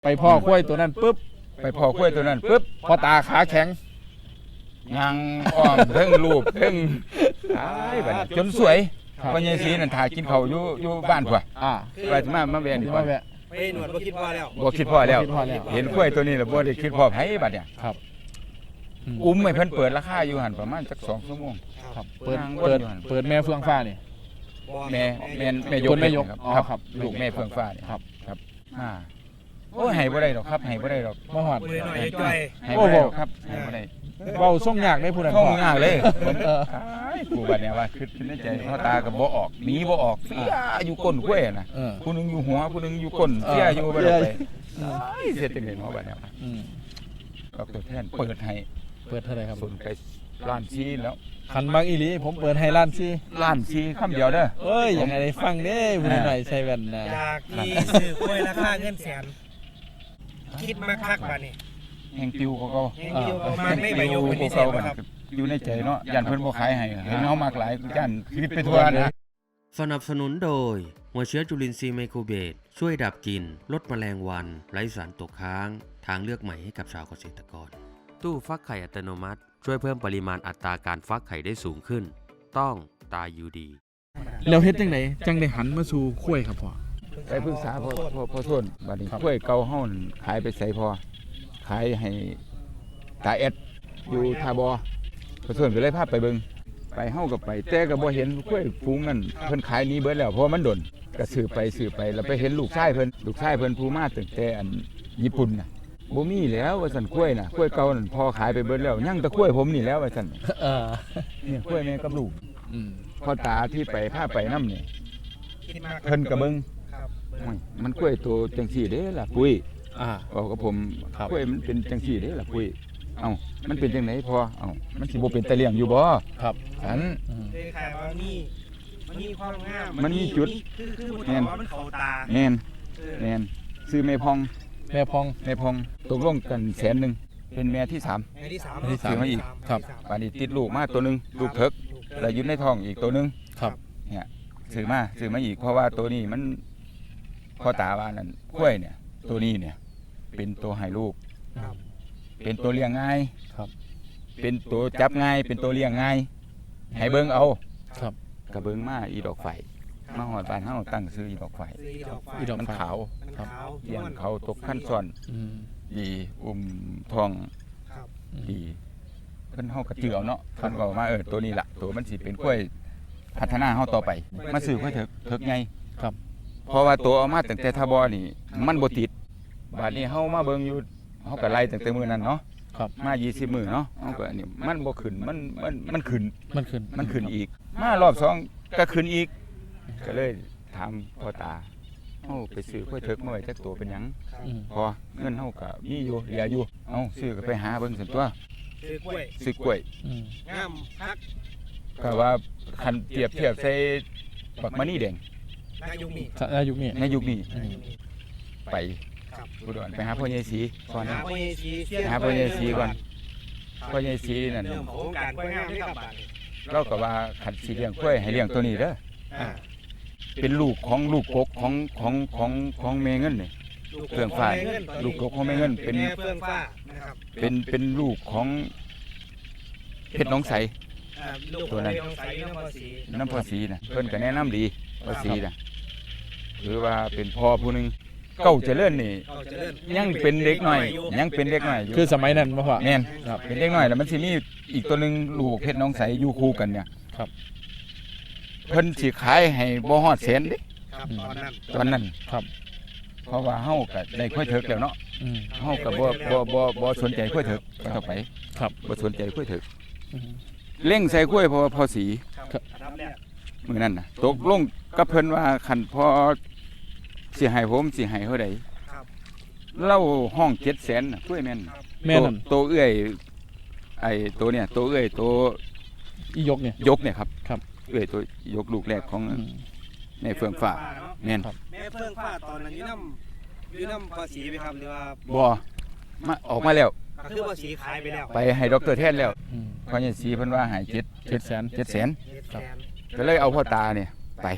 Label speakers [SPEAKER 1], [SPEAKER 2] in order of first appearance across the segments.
[SPEAKER 1] ไปพ่อคุ้ยตัวนั้นปุ๊บ
[SPEAKER 2] ไปพอคุ้ยตัวนั้นปุ๊บ
[SPEAKER 1] พ่อตาขาแข็ง
[SPEAKER 2] ยังอ้อมเพิ่งรูปเพิ่งบัดนี้จนสวยพ่อใหญ่ศรีนั่นถ่ายกินข้าวอยู่บ้านพุ่นไปมาแวะนี่
[SPEAKER 1] มาแวะ
[SPEAKER 3] ไปหนวดบ่คิดพอแล้ว
[SPEAKER 2] บ่คิดพ่อแล้ว
[SPEAKER 1] บ่คิดพอแล้ว
[SPEAKER 2] เห็นคุ้ยตัวนี้แล้วบ่ได้คิดพ่อไผบัดเนี่ย
[SPEAKER 1] ครับ
[SPEAKER 2] อุ้มให้เพิ่นเปิดราคาอยู่หั่นประมาณจัก2ชั่วโมง
[SPEAKER 1] ครับเปิดแม่เฟืองฟ้านี่
[SPEAKER 2] แม่ยก
[SPEAKER 1] คนแม่ยก
[SPEAKER 2] ครับ
[SPEAKER 1] อ๋อครับ
[SPEAKER 2] ลูกแม่เฟื่องฟ้านี่
[SPEAKER 1] ครับ
[SPEAKER 2] โอ้ให้บ่ได้ดอกครับให้บ่ได้ดอก
[SPEAKER 1] มาหอด
[SPEAKER 3] มือหน่อยจ่อย
[SPEAKER 2] ให้บ่ได้ดอกครับให้บ่ได้
[SPEAKER 1] เว้าส่งยากได้ผู้นั้น
[SPEAKER 2] เข้างากเลย
[SPEAKER 1] เออ
[SPEAKER 2] กูบัดเนี่ยว่าคิดในใจพ่อตาก็บ่ออกหนีบ่ออกเสียอยู่ก้นกล้วยน่ะ
[SPEAKER 1] เออ
[SPEAKER 2] ผู้หนึงอยู่หัวผู้หนึงอยู่ก้นเสียอยู่บ่ได้ไปเสียจังได๋เนาะบัดเนี่ย
[SPEAKER 1] อืม
[SPEAKER 2] ก็ตัวแทนเปิดให้
[SPEAKER 1] เปิดเท่าไหร่ครับ
[SPEAKER 2] สนไปล้านชีแล้ว
[SPEAKER 1] คันบางอีหลีผมเปิดให้ล้านซี่
[SPEAKER 2] ล้านชีคำเดียวเด้อ
[SPEAKER 1] เอ้ยยังไงได้ฟังเด้ผู้นั้นหน่อยใส่แว่นนะ
[SPEAKER 3] จากที่ซื้อกล้วยราคาเงินแสนคิดมาคักป่ะนี่
[SPEAKER 2] แห่งปิวก็
[SPEAKER 3] แห่งปิวประมาณไม่ใบยกเป็นพิเศษบ่ครับ
[SPEAKER 2] อยู่ในใจเนาะย่านเพิ่นบ่ขายให้เห็นเฮามากหลายย่านคิดไปทั่วนะ
[SPEAKER 4] สนับสนุนโดยหัวเชื้อจุลินทรีย์ไมโครเบสช่วยดับกลิ่นลดแมลงวันไร้สารตกค้างทางเลือกใหม่ให้กับชาวเกษตรกรตู้ฟักไข่อัตโนมัติช่วยเพิ่มปริมาณอัตราการฟักไข่ได้สูงขึ้นต้องตายูดี
[SPEAKER 1] แล้วเฮ็ดจังไดจังได้หันมาสู่คุ้ยครับพ่อ
[SPEAKER 2] ไปปรึกษาพ่อโทนบัดนี้กล้วยเก่าเฮานั่นขายไปใส่พอขายให้ตาเอ็ดอยู่ทาบอพ่อโทนก็เลยพาไปเบิ่งไปเฮาก็ไปแต่ก็บ่เห็นกล้วยฝูงนั้นเพิ่นขายหนี้เบิดแล้วเพราะมันดนก็ซื้อไปแล้วไปเห็นลูกชายเพิ่นผู้มาตั้งแต่อันญี่ปุ่นน่ะบ่มีแล้วว่าซั่นกล้วยน่ะกล้วยเก่านั่นพอขายไปเบิดแล้วยังแต่กล้วยผมนี่แล้วว่าซั่น
[SPEAKER 1] เออ
[SPEAKER 2] เนี่ยกล้วยแม่กับลูก
[SPEAKER 1] อืม
[SPEAKER 2] พ่อตาที่ไปพาไปนำนี่
[SPEAKER 3] คิดมา
[SPEAKER 2] เพิ่นก็เบิ่ง
[SPEAKER 3] ครับ
[SPEAKER 2] โอ้ยมันกล้วยตัวจังซี่เด้ล่ะปุ้ย บอกกับผม
[SPEAKER 1] ครับ
[SPEAKER 2] กล้วยมันเป็นจังซี่เด้ล่ะปุ้ยเอ้ามันเป็นจังไหนพอเอ้ามันสิบ่เป็นตะเลี่ยงอยู่บ่
[SPEAKER 1] ครับ
[SPEAKER 2] อัน
[SPEAKER 1] อืม
[SPEAKER 3] เลยขายว่ามันมีความงาม
[SPEAKER 2] มันมีจุด
[SPEAKER 3] คือมันบอกว่ามันเข้าตา
[SPEAKER 2] แม่น
[SPEAKER 3] เออ
[SPEAKER 2] แม่นซื้อแม่พอง
[SPEAKER 1] แม่พอง
[SPEAKER 2] ตกลงกัน100,000เป็นแม่ที่3
[SPEAKER 3] ไอ้ที่สาม
[SPEAKER 1] ที่สาม
[SPEAKER 2] ซื้อมาอีก
[SPEAKER 1] ครับ
[SPEAKER 2] ป่านนี้ติดลูกมาตัวหนึงลูกเถิกแล้วอยู่ในท้องอีกตัวหนึง
[SPEAKER 1] ครับ
[SPEAKER 2] เนี่ยซื้อมาอีกเพราะว่าตัวนี้มันพ่อตาว่านั่นกล้วยเนี่ย ตัวนี้เนี่ย เป็นตัวให้ลูก
[SPEAKER 3] ครับ
[SPEAKER 2] เป็นตัวเลี้ยงง่าย
[SPEAKER 1] ครับ
[SPEAKER 2] เป็นตัวจับง่าย เป็นตัวเลี้ยงง่าย ให้เบิ่งเอา
[SPEAKER 1] ครับ
[SPEAKER 2] กระเบิ่งมาอีดอกไฟมาหอดบ้านเฮาตั้งซื้ออีดอกไฟ
[SPEAKER 3] ซื้อดอกไฟ
[SPEAKER 1] อีดอก
[SPEAKER 2] มัน
[SPEAKER 1] ไฟ
[SPEAKER 2] ขาว
[SPEAKER 3] มันขาว
[SPEAKER 2] เลี้ยงเขาตกขั้นซ้อน
[SPEAKER 1] อืม
[SPEAKER 2] ดีอุ้มทอง
[SPEAKER 3] ครับ
[SPEAKER 2] ดีเพิ่นเฮาก็เจือเอาเนาะเพิ่นก็มาตัวนี้ล่ะตัวมันสิเป็นกล้วยพัฒนาเฮาต่อไป มาซื้อค่อยเถิกไง
[SPEAKER 1] ครับ
[SPEAKER 2] เพราะว่าตัวเอามาตั้งแต่ทบอนี่มันบ่ติดบาดนี้เฮามาเบิ่งอยู่เฮาก็ไล่ตั้งแต่มื้อนั้นเนาะ
[SPEAKER 1] ครับ
[SPEAKER 2] มา20มื้อเนาะเฮาก็อันนี้มันบ่ขึ้นมันขึ้น
[SPEAKER 1] มันขึ้น
[SPEAKER 2] มันขึ้นอีก มารอบสองก็ขึ้นอีก ก็เลยถามพ่อตาเฮาไปซื้อกล้วยเถิกมาไว้จักตัวเป็นหยัง
[SPEAKER 1] อืม
[SPEAKER 2] พอเงินเฮาก็มีอยู่เหลืออยู่เอ้าซื้อก็ไปหาเบิ่งซั่นตัว
[SPEAKER 3] ซื้อกล้วย
[SPEAKER 2] ซื้อกล้วย
[SPEAKER 1] อืม
[SPEAKER 3] งามคัก
[SPEAKER 2] ก็ว่าคันเปรียบเทียบใส่บักมะนี่แดง
[SPEAKER 3] นายุคนี้
[SPEAKER 1] อายุนี้
[SPEAKER 2] ในยุคนี้
[SPEAKER 1] อืม
[SPEAKER 2] ไป
[SPEAKER 3] ครับ
[SPEAKER 2] อุดรไปหาพ่อใหญ่ศรีก่อนนะ
[SPEAKER 3] หาพ่อใหญ่ศรีเสี้ยน
[SPEAKER 2] หาพ่อใหญ่ศรีก่อน พ่อใหญ่ศรีนั่น
[SPEAKER 3] เริ่มโครงการกล้วยงามด้วยครับบาดนี้
[SPEAKER 2] เราก็ว่าคันสิเลี้ยงกล้วยให้เลี้ยงตัวนี้เด้อ
[SPEAKER 3] อ่า
[SPEAKER 2] เป็นลูกกกของแม่เงินนี่ เฟื่องฟ้าลูกกกของแม่เงินเป็น
[SPEAKER 3] แม่เฟื่องฟ้านะครับ
[SPEAKER 2] เป็นลูกของเพชรหน้องใส
[SPEAKER 3] ลูก
[SPEAKER 2] ตัวนั้น
[SPEAKER 3] ของใสน้ำภาษี
[SPEAKER 2] น้ำพ่อศรีนะเพิ่นก็แนะนำดีพ่อศรีนะหรือว่าเป็นพ่อผู้หนึงเก้าเจริญนี่
[SPEAKER 3] เขาจะเลื่อน
[SPEAKER 2] ยังเป็นเด็กน้อยยังเป็นเด็กน้อยอยู่
[SPEAKER 1] คือสมัยนั้นบ่พ่อ
[SPEAKER 2] แม่น
[SPEAKER 1] ครับ
[SPEAKER 2] เป็นเด็กน้อยแล้วมันสิมีอีกตัวหนึงลูกเพชรหน้องใสอยู่คู่กันเนี่ย
[SPEAKER 1] ครับ
[SPEAKER 2] เพิ่นสิขายให้บ่ฮอดแสนเด้
[SPEAKER 3] ครับตอนนั้น
[SPEAKER 2] ตอนนั้น
[SPEAKER 1] ครับ
[SPEAKER 2] เพราะว่าเฮาก็ได้ค่อยเถิกแล้วเนาะ
[SPEAKER 1] อืม
[SPEAKER 2] เฮาก็บ่สนใจค่อยเถิกก็ต่อไป
[SPEAKER 1] ครับ
[SPEAKER 2] บ่สนใจค่อยเถิก
[SPEAKER 1] อืม
[SPEAKER 2] เล่งใส่กล้วยพอสี
[SPEAKER 3] ครับอันดับแรก
[SPEAKER 2] มื้อนั้นน่ะตกลงกับเพิ่นว่าคันพอสิให้ผมสิให้เท่าใด
[SPEAKER 3] ครับ
[SPEAKER 2] เล่าห้อง700,000น่ะกล้วยแม่น
[SPEAKER 1] แม่นั่น
[SPEAKER 2] ตัวเอื้อยไอ้ตัวเนี่ยตัวเอื้อยตัว
[SPEAKER 1] อียกเนี่ย
[SPEAKER 2] ยกเนี่ยครับ
[SPEAKER 1] ครับ
[SPEAKER 2] เอื้อยตัวยกลูกแรกของ
[SPEAKER 1] อืม
[SPEAKER 2] ในเฟื่องฟ้าแม่น
[SPEAKER 1] ครับ
[SPEAKER 3] แม่เฟื่องฟ้าตอนนั้นอยู่น้ำภาษีไปครับหรือว่า
[SPEAKER 2] บ่มาออกมาแล้ว
[SPEAKER 3] ก็คือภาษีขายไปแล้ว
[SPEAKER 2] ไปให้ดรแทนแล้ว
[SPEAKER 1] อืม
[SPEAKER 2] พอใหญ่ศรีเพิ่นว่าให้700,000
[SPEAKER 1] 700,000
[SPEAKER 3] 700,000
[SPEAKER 2] ก็เลยเอาพ่อตาเนี่ยไป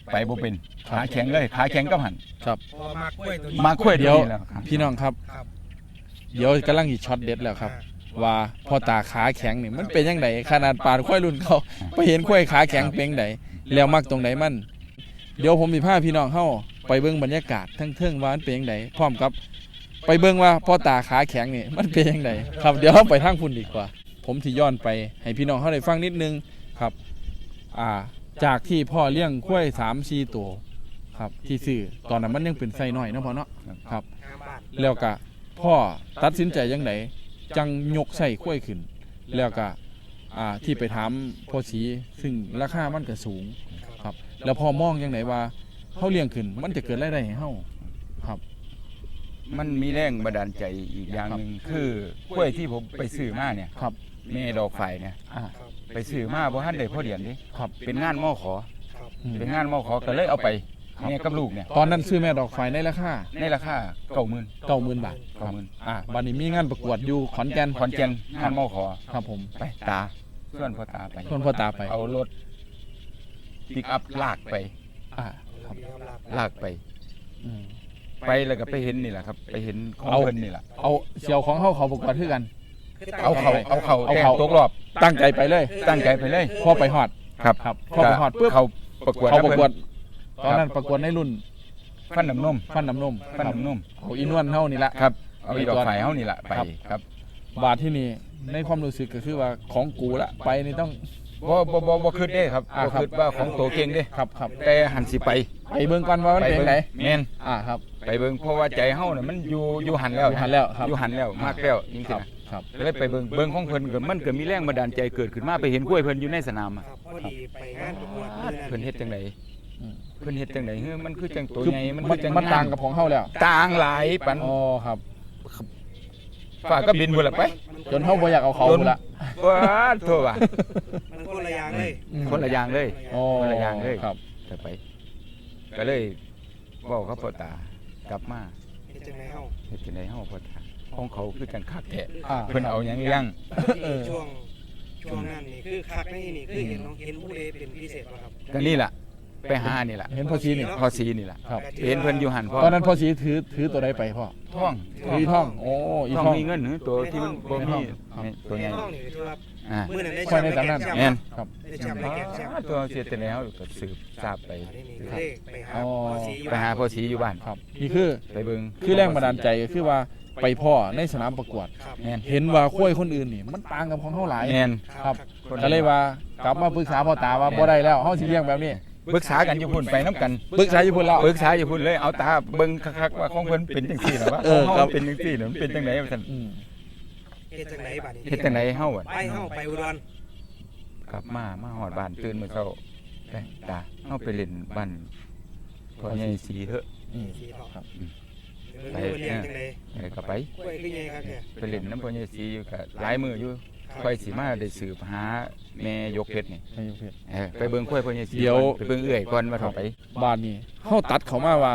[SPEAKER 2] ไปบ่เป็นขาแข็งเลยขาแข็งกับหัน
[SPEAKER 1] ครับ
[SPEAKER 3] พอมากล้วยตัวนี้
[SPEAKER 2] มาคุย
[SPEAKER 1] เดี๋
[SPEAKER 2] เดี
[SPEAKER 1] ย
[SPEAKER 2] ยว วแล้วครับ
[SPEAKER 1] พี่น้องครับ
[SPEAKER 3] ครับ
[SPEAKER 1] เดี๋ยวกำลังอีช็อตเด็ดแล้วครับ ว่าพ่อตาขาแข็งนี่มันเป็นยังไงขนาดปานควายรุ่นเขาไปเห็นควายขาแข็งเป็นไดแล้วมักตรงไหนมันเดี๋ยวผมสิพาพี่น้องเฮาไปเบิ่งบรรยากาศทั้งเทิงว่ามันเป็นยังไงพร้อมกับ ไปเบิ่งว่าพ่อตาขาแข็งนี่มันเป็นยังไงครับเดี๋ยวเราไปทางพุ่นดีกว่า ผมสิย้อนไปให้พี่น้องเฮาได้ฟังนิดนึงครับจากที่พ่อเลี้ยงควาย3-4ตัวครับที่ซื้อตอนนั้นมันยังเป็นไส้น้อยเนาะพ่อเนาะครับ
[SPEAKER 3] งามบ้าน
[SPEAKER 1] แล้วก็พ่อตัดสินใจยังไงจังยกใส่ข้วยขึ้น แล้วก็ที่ไปถามพ่อสีซึ่งราคามันก็สูงครับ แล้วพ่อมองยังไงว่าเฮาเลี้ยงขึ้นมันจะเกิดรายได้ให้เฮาครับ
[SPEAKER 2] มันมีแรงบันดาลใจอีกอย่างหนึงคือกล้วยที่ผมไปซื้อมาเนี่ย
[SPEAKER 1] ครับ
[SPEAKER 2] แม่ดอกไฟเนี่ย
[SPEAKER 1] อ่า
[SPEAKER 2] ไปซื้อมาบ่ทันได้พอเดือนดิ
[SPEAKER 1] ครับ
[SPEAKER 2] เป็นงานมอขอ
[SPEAKER 3] ครับ
[SPEAKER 1] อืม
[SPEAKER 2] เป็นงานมอขอก็เลยเอาไปแม่กับลูกเนี่ย
[SPEAKER 1] ตอนนั้นซื้อแม่ดอกไฟในราคา
[SPEAKER 2] ในราคา
[SPEAKER 1] 90,000
[SPEAKER 2] 90,000
[SPEAKER 1] บาท
[SPEAKER 2] 90,000
[SPEAKER 1] บัดนี้มีงานประกวดอยู่ขอนแก่น
[SPEAKER 2] ขอนแก่นงานมอขอ
[SPEAKER 1] ครับผม
[SPEAKER 2] ไปตาส่วนพ่อตาไป
[SPEAKER 1] ส่วนพ่อตาไป
[SPEAKER 2] เอารถปิกอัพลากไป
[SPEAKER 1] ครับ
[SPEAKER 3] มีกำลัง
[SPEAKER 2] ลากไป
[SPEAKER 1] อืม
[SPEAKER 2] ไปแล้วก็ไปเห็นนี่แหละครับ ไปเห็นของ
[SPEAKER 1] เอา
[SPEAKER 2] เพิ่นนี่แหละ
[SPEAKER 1] เอาเสี่ยวของเฮาเขาประกวดคือกัน
[SPEAKER 2] เอาเขา
[SPEAKER 1] เอา
[SPEAKER 2] แกง
[SPEAKER 1] เขา
[SPEAKER 2] ตกรอบ
[SPEAKER 1] ตั้งใจไปเลย
[SPEAKER 2] ตั้งใจไปเลย
[SPEAKER 1] พ่อไปฮอด
[SPEAKER 2] ครับ
[SPEAKER 1] ครับพ่อไปฮอดปุ๊บ
[SPEAKER 2] เขาประกวด
[SPEAKER 1] เขาประกวด
[SPEAKER 2] น
[SPEAKER 1] ตอนนั้นประกวดในรุ่น
[SPEAKER 2] ฟันน้ำนม
[SPEAKER 1] ฟันน้ำนม
[SPEAKER 2] ฟันน้ำนม
[SPEAKER 1] เอาอีนวลเท่านี่ละ
[SPEAKER 2] ครับเอาอีดอกไฟเฮานี่แหละไป
[SPEAKER 1] ครับ
[SPEAKER 2] ครับ
[SPEAKER 1] บาทที่นี่ในความรู้สึกก็คือว่าของกูละไปนี่ต้อง
[SPEAKER 2] บ่คิดเด้ครับ
[SPEAKER 1] อ่า
[SPEAKER 2] บ่
[SPEAKER 1] ครับ
[SPEAKER 2] คิดว่าของโตเก่งเด้
[SPEAKER 1] ครับครับ
[SPEAKER 2] แต่หันสิไป
[SPEAKER 1] ไปเบิ่งก่อนว่ามันเป็นไหน
[SPEAKER 2] แม่น
[SPEAKER 1] ครับ
[SPEAKER 2] ไปเบิ่งเพราะว่าใจเฮาน่ะมันอยู่หันแล้ว
[SPEAKER 1] อยู่หันแล้วครับ
[SPEAKER 2] อยู่หันแล้วมากแล้วจริง
[SPEAKER 1] ค
[SPEAKER 2] ๆ
[SPEAKER 1] รับ
[SPEAKER 2] นะครับ เลยไปเบิ่งของเพิ่นก็มันก็มีแรงบันดาลใจเกิดขึ้นมาไปเห็นกล้วยเพิ่นอยู่ในสนามอะ
[SPEAKER 3] ครับพอดีไปงานประกวดมื้อนั้น
[SPEAKER 2] เพิ่นเฮ็ดจังได
[SPEAKER 1] อืม
[SPEAKER 2] เพิ่นเฮ็ดจังไดเฮ้ยมันคือจังตัว
[SPEAKER 1] คือ
[SPEAKER 2] ใหญ่มัน
[SPEAKER 1] มั
[SPEAKER 2] คื
[SPEAKER 1] น
[SPEAKER 2] อจัง
[SPEAKER 1] มันต่างกับของเฮาแล้ว
[SPEAKER 2] ต่างหลายปัน
[SPEAKER 1] อ๋อครับ
[SPEAKER 2] ฝากก็บินพุ่นละไป
[SPEAKER 1] จนเฮาบ่อยากเอาเขาพุ่นละ
[SPEAKER 2] ว้าโทษว่ะ
[SPEAKER 3] มันคนละอย่างเลย
[SPEAKER 2] คนละอย่างเลย
[SPEAKER 1] อ๋อ
[SPEAKER 2] คนละอย่างเลย
[SPEAKER 1] ครับ
[SPEAKER 2] จะไป ก็เลยเว้ากับพ่อตากลับมา
[SPEAKER 3] เฮ็ดจังไดเฮา
[SPEAKER 2] เฮ็ดจังไดเฮาพ่อตาของเขาคือจังคักแท้
[SPEAKER 1] อ่า
[SPEAKER 2] เพิ่นเอาหยังเลี้ยง
[SPEAKER 3] ช่วงนั้นนี่คือคักในนี่คือเห็นน้องเห็นผู้ใดเป็นพิเศษบ่ครับ
[SPEAKER 2] ก็นี่ล่ะ ไปหานี่ล่ะ
[SPEAKER 1] เห็นพ่อชีนี่
[SPEAKER 2] พ่อสีนี่ล่ะ
[SPEAKER 1] ครับ
[SPEAKER 2] เห็นเพิ่นอยู่หันพ่อ
[SPEAKER 1] ตอนนั้นพ่อชีถือตัวใดไปพ่อ
[SPEAKER 2] ท่อง
[SPEAKER 1] ถืออีท่องโอ้อี
[SPEAKER 2] ท่อง
[SPEAKER 1] ท่อง
[SPEAKER 2] มีเงินหรือตัวที่มันบ่มี
[SPEAKER 1] ครับ
[SPEAKER 2] นี่ตัวใหญ่
[SPEAKER 3] น้องนี่ถือว่า
[SPEAKER 2] อ่า
[SPEAKER 3] มื้อนั้นได้
[SPEAKER 1] ควา
[SPEAKER 3] แช
[SPEAKER 1] ย
[SPEAKER 3] ม
[SPEAKER 1] ใน
[SPEAKER 3] ป์
[SPEAKER 1] ตำนาน
[SPEAKER 3] ได้แชมป์
[SPEAKER 2] แม่น
[SPEAKER 1] ครับ
[SPEAKER 3] ได้แชมป์ได้แชมป์
[SPEAKER 2] ตัวเสียแต่แล้วก็สืบทราบไป
[SPEAKER 3] อันนี้นี่ก็เลยไปหา
[SPEAKER 1] อ๋อ
[SPEAKER 3] พ่อสีอยู่
[SPEAKER 2] ไปหาพ่อสีอยู่บ้าน
[SPEAKER 1] ครับ นี่คือ
[SPEAKER 2] ไปเบิ่ง
[SPEAKER 1] คือแรงบันดาลใจก็คือว่าไปพ่อในสนามประกวด
[SPEAKER 3] ครับ
[SPEAKER 2] แม่น
[SPEAKER 1] เห็นว่าข้วยคนอื่นนี่มันต่างกับของเฮาหลาย
[SPEAKER 2] แม่น
[SPEAKER 1] ครับ
[SPEAKER 2] คน
[SPEAKER 1] ก็เลยว่ากลับมาปรึกษาพ่อตาว่าบ่ได้แล้วเฮาสิเลี้ยงแบบนี้
[SPEAKER 2] ปรึกษากันอยู่พุ่นไปน้ำกัน
[SPEAKER 1] ปรึกษาอยู่พุ่นแล้ว
[SPEAKER 2] ปรึกษาอยู่พุ่นเลยเอาตาเบิ่งคักๆว่าของเพิ่นเป็นจังซี่น่ะว่า
[SPEAKER 1] เอ
[SPEAKER 2] ของ
[SPEAKER 1] อ
[SPEAKER 2] เฮา
[SPEAKER 1] ครับ
[SPEAKER 2] เป็นจังซี่น่ะมันเป็นจังไดว่าซั่น
[SPEAKER 1] อืม
[SPEAKER 3] เฮ็ดจังไดบัดนี้
[SPEAKER 2] เฮ็ดจังไดเฮาอะ
[SPEAKER 3] ไปเฮาไปอุดร
[SPEAKER 2] กลับมาฮอดบ้านตื่นมื้อเช้าไปตาเฮาไปเล่นบ้านพ่อใหญ่สีเถอะ
[SPEAKER 1] อืม
[SPEAKER 3] สีทอง
[SPEAKER 1] ครับ
[SPEAKER 3] เดี๋ยวเรียนจังได
[SPEAKER 2] ก็ไป
[SPEAKER 3] กล้วยคือใหญ่ครับเนี่ย
[SPEAKER 2] ไปเล่นน้ำพ่อใหญ่สีอยู่ก็หลายมื้ออยู่ค่อยสิมาได้สืบหาแม่ยกเพชรนี่
[SPEAKER 1] ไม่ยกเพชร
[SPEAKER 2] ไปเบิ่งข้อยพ่อใหญ่สี
[SPEAKER 1] เดี๋ยว
[SPEAKER 2] ก่อนไปเบิ่งเอื้อยก่อนว่าเท่าไป
[SPEAKER 1] บ้านนี้เฮาตัดเขามาว่า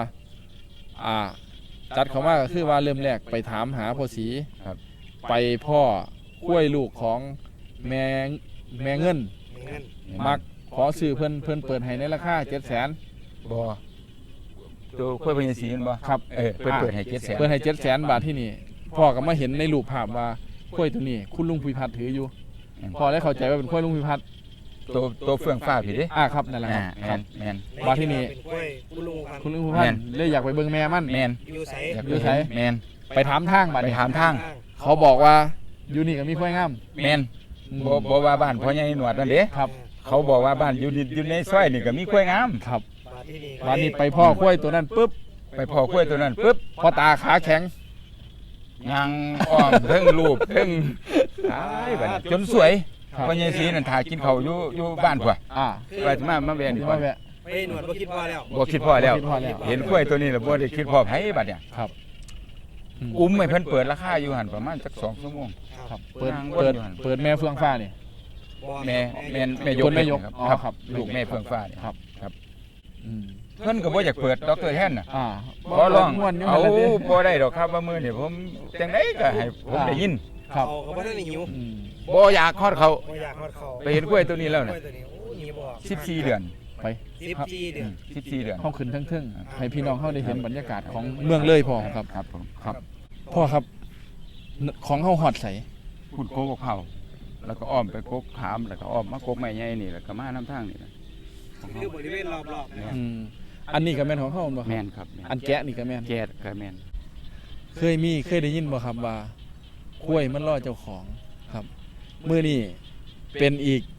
[SPEAKER 1] ตัดเขามาก็คือว่าเริ่มแรกไปถามหาพ่อสี
[SPEAKER 2] ครับ
[SPEAKER 1] ไปพ่อข้วยลูกของแม่เงิน
[SPEAKER 3] มีเงิน
[SPEAKER 1] มักขอซื้อเพิ่นเปิดให้ในราคา700,000
[SPEAKER 2] บ่ตัวข้อยพ่อใหญ่สีนั่นบ่
[SPEAKER 1] ครับ
[SPEAKER 2] เพิ่นเปิดให้700,000
[SPEAKER 1] เปิดให้700,000 บาทที่นี่พ่อก็มาเห็นในรูปภาพว่าข้วยตัวนี้คุณลุงพิพัฒน์ถืออยู่พ่อได้เข้าใจว่าเป็นข้วยลุงพิพัฒน์
[SPEAKER 2] ตัวเฟื่องฟ้าพี่เด้
[SPEAKER 1] ครับนั่นแหละครับค
[SPEAKER 2] แม่
[SPEAKER 1] รับ
[SPEAKER 2] นแม่น
[SPEAKER 1] ว่าที่นี่
[SPEAKER 3] เป็นกล้วยคุณลุงพัน
[SPEAKER 1] คุณลุงพิพัฒน์เลยอยากไปเบิ่งแม่มัน
[SPEAKER 2] แม่น
[SPEAKER 3] อยู่ไส
[SPEAKER 2] อยาก
[SPEAKER 1] อยู่ไส
[SPEAKER 2] แม่น
[SPEAKER 1] ไปถามทางบัด
[SPEAKER 2] ไป
[SPEAKER 1] นี้
[SPEAKER 2] ถามทาง
[SPEAKER 1] เขาบอกว่าอยู่นี่ก็มีข้วยงาม
[SPEAKER 2] แม่นบ่ว่าบ้านพ่อใหญ่หนวดนั่นเด้
[SPEAKER 1] ครับ
[SPEAKER 2] เขาบอกว่าบ้านอยู่ในซอยนี่ก็มีกล้วยงาม
[SPEAKER 1] ครับ
[SPEAKER 3] บาดที่นี่
[SPEAKER 1] วันนี้ไปพ่อกล้วยตัวนั้นปุ๊บ
[SPEAKER 2] ไปพอกล้วยตัวนั้นปุ๊บ
[SPEAKER 1] พ่อตาขาแข็ง
[SPEAKER 2] ยางอ้อมเพิ่งรูปเพิ่งตายบัดนี้จนสวย
[SPEAKER 1] ครับ
[SPEAKER 2] พ่อใหญ่สีนั่นถ่ายกินข้าวอยู่บ้านพุ่น ว่าจะมาแวะนี่
[SPEAKER 1] ที่
[SPEAKER 2] ก่อ
[SPEAKER 1] มาน แวะ
[SPEAKER 3] ไปหนวดบ่คิดพอแล้ว
[SPEAKER 2] บ่คิดพ่อแล้ว
[SPEAKER 1] บ่คิดพอแล้ว
[SPEAKER 2] เห็นกล้วยตัวนี้แล้วบ่ได้คิดพ่อไผบัดเนี่ย
[SPEAKER 1] ครับ
[SPEAKER 2] อุ้มให้เพิ่นเปิดราคาอยู่หั่นประมาณสัก2ชั่วโมง
[SPEAKER 1] ครับเปิด
[SPEAKER 2] นาง
[SPEAKER 1] เปิด
[SPEAKER 2] วนอยู่หั่น
[SPEAKER 1] เปิดแม่เฟืองฟ้านี่
[SPEAKER 2] แม่ยก
[SPEAKER 1] คนแม่ยก
[SPEAKER 2] ครับ
[SPEAKER 1] อ๋อ
[SPEAKER 2] ครับ
[SPEAKER 1] ครับ
[SPEAKER 2] ลูกแม่เฟื่องฟ้านี่
[SPEAKER 1] ครับ
[SPEAKER 2] ครับ
[SPEAKER 1] อืม
[SPEAKER 2] เพิ่นก็บ่อยากเปิดดอกเตอร์แทนน่ะ
[SPEAKER 1] บ่
[SPEAKER 2] บ่ลอง
[SPEAKER 1] ม่วนอยู่
[SPEAKER 2] เอา
[SPEAKER 1] หั่นแหละสิ
[SPEAKER 2] บ่ได้ดอกครับว่ามื้อนี้ผมจังไดก็ให้ผมได้ยิน
[SPEAKER 1] ครับ
[SPEAKER 3] เขาก็บ่ทันได้หิว
[SPEAKER 1] อืม
[SPEAKER 2] บ่อยากฮอดเขา
[SPEAKER 3] บ่อยากฮอดเขา
[SPEAKER 2] ไปเห็นกล้วยตัวนี้แล้ว
[SPEAKER 3] กล้
[SPEAKER 2] น่ะ
[SPEAKER 3] วยตัวนี้โอ้หนีบ่ออก
[SPEAKER 2] 14 เดือน
[SPEAKER 3] ไป
[SPEAKER 1] ไป
[SPEAKER 3] 14 เดือน
[SPEAKER 2] 14 เดือน
[SPEAKER 1] เฮาขึ้นเทิงๆให้พี่น้องเฮาได้เห็นบรรยากาศของเมืองเลยพ่อครับ
[SPEAKER 2] ครับผม
[SPEAKER 1] ครับพ่อครับของเฮาฮอดไส
[SPEAKER 2] พูดโคกเผาแล้วก็อ้อมไปโคกขามแล้วก็อ้อมมาโคกไม้ใหญ่นี่แล้วก็มาน้ำทางนี่นะ
[SPEAKER 3] คือบริเวณรอบๆนะครับ
[SPEAKER 1] อันนี้ก็แม่นของเฮาบ่ค
[SPEAKER 2] แม่
[SPEAKER 1] รับ
[SPEAKER 2] นครับแม่น
[SPEAKER 1] อันแกะนี่ก็แม่น
[SPEAKER 2] แก๊สก็แม่น
[SPEAKER 1] เคยได้ยินบ่ครับว่าข้วยมันล่อเจ้าของครับมื้อนี้เป็นอีก